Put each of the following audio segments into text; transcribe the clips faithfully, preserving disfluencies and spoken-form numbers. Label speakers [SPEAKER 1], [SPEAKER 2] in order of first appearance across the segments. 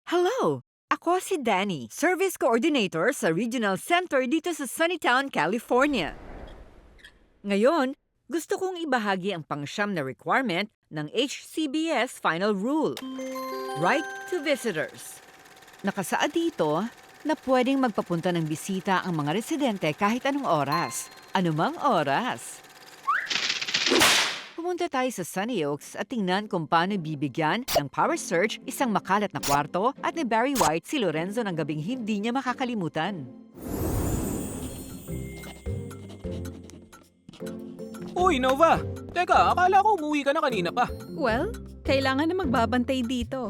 [SPEAKER 1] Hello! Ako si Danny, Service Coordinator sa Regional Center dito sa Sunnytown, California. Ngayon, gusto kong ibahagi ang pangsyam na requirement ng H C B S Final Rule. Right to Visitors. Nakasaad dito na pwedeng magpapunta ng bisita ang mga residente kahit anong oras. Anumang oras. Pumunta tayo sa Sunny Oaks at tingnan kung paano bibigyan ng power surge isang makalat na kwarto at ni Barry White si Lorenzo ng gabing hindi niya makakalimutan.
[SPEAKER 2] Uy, Nova! Teka, akala ko umuwi ka na kanina pa.
[SPEAKER 3] Well, kailangan na magbabantay dito.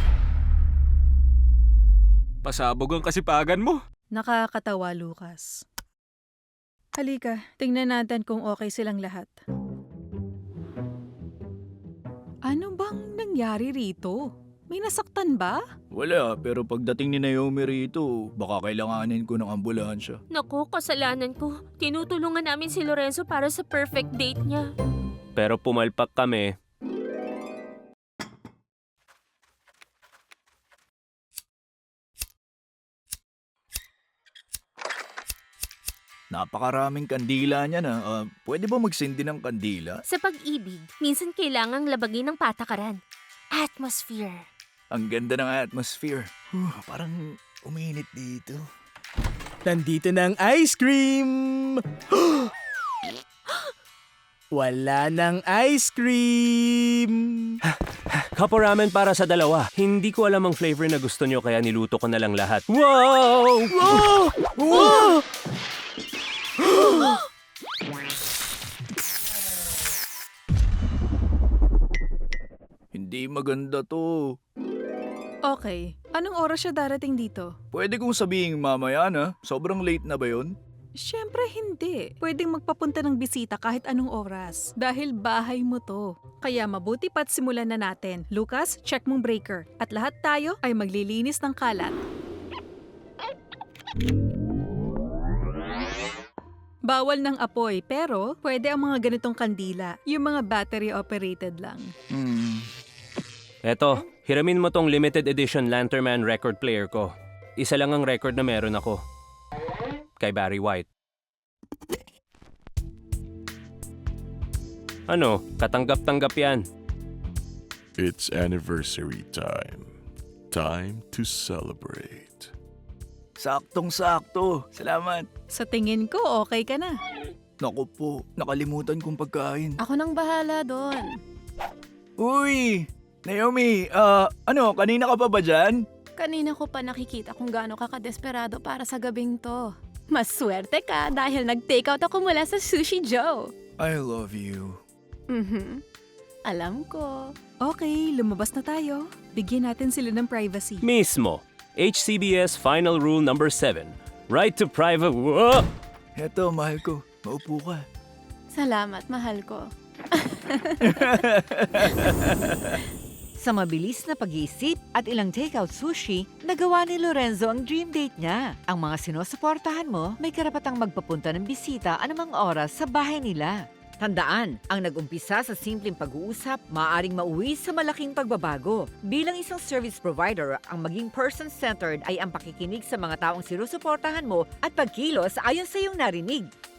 [SPEAKER 2] Pasabog ang kasipagan mo.
[SPEAKER 3] Nakakatawa, Lucas. Halika, tingnan natin kung okay silang lahat. Ano bang nangyari rito? May nasaktan ba?
[SPEAKER 4] Wala, pero pagdating ni Naomi rito, baka kailanganin ko ng ambulansya.
[SPEAKER 5] Naku, kasalanan ko. Tinutulungan namin si Lorenzo para sa perfect date niya.
[SPEAKER 6] Pero pumalpak kami.
[SPEAKER 4] Napakaraming kandila niya na. Ah, pwede ba magsindi ng kandila?
[SPEAKER 5] Sa pag-ibig, minsan kailangang labagin ng patakaran. Atmosphere.
[SPEAKER 4] Ang ganda ng atmosphere. Huh, parang uminit dito.
[SPEAKER 7] Nandito na ang ice cream! Wala ng ice cream!
[SPEAKER 6] Kapo ramen para sa dalawa. Hindi ko alam ang flavor na gusto nyo kaya niluto ko na lang lahat. Wow!
[SPEAKER 7] Wow! Wow!
[SPEAKER 4] Hindi maganda to.
[SPEAKER 3] Okay, anong oras siya darating dito?
[SPEAKER 4] Pwede kong sabihin mamaya na. Sobrang late na ba yun?
[SPEAKER 3] Siyempre hindi. Pwedeng magpapunta ng bisita kahit anong oras. Dahil bahay mo to. Kaya mabuti pa't simulan na natin. Lucas, check mong breaker. At lahat tayo ay maglilinis ng kalat. Bawal ng apoy, pero pwede ang mga ganitong kandila. Yung mga battery-operated lang.
[SPEAKER 4] Hmm.
[SPEAKER 6] Eto, hiramin mo tong limited edition Lanternman record player ko. Isa lang ang record na meron ako. Kay Barry White. Ano, katanggap-tanggap yan.
[SPEAKER 8] It's anniversary time. Time to celebrate.
[SPEAKER 4] Saktong-sakto. Salamat.
[SPEAKER 3] Sa tingin ko, okay ka na.
[SPEAKER 4] Naku po, nakalimutan kong pagkain.
[SPEAKER 9] Ako nang bahala doon.
[SPEAKER 4] Uy! Naomi, ah, ano, kanina ka pa ba dyan?
[SPEAKER 9] Kanina ko pa nakikita kung gaano ka kadesperado para sa gabing to. Mas swerte ka dahil nag-take out ako mula sa Sushi Joe.
[SPEAKER 4] I love you.
[SPEAKER 9] Mhm. Alam ko.
[SPEAKER 3] Okay, lumabas na tayo. Bigyan natin sila ng privacy.
[SPEAKER 6] Mismo. H C B S Final Rule number seven. Right to private... Whoa!
[SPEAKER 4] Heto, mahal ko. Maupo ka.
[SPEAKER 9] Salamat, mahal ko.
[SPEAKER 1] Sa mabilis na pag-iisip at ilang takeout sushi, nagawa ni Lorenzo ang dream date niya. Ang mga sinusuportahan mo, may karapatang magpapunta ng bisita anumang oras sa bahay nila. Tandaan, ang nag-umpisa sa simpleng pag-uusap, maaaring mauwi sa malaking pagbabago. Bilang isang service provider, ang maging person-centered ay ang pakikinig sa mga taong sinusuportahan mo at pagkilos ayon sa iyong narinig.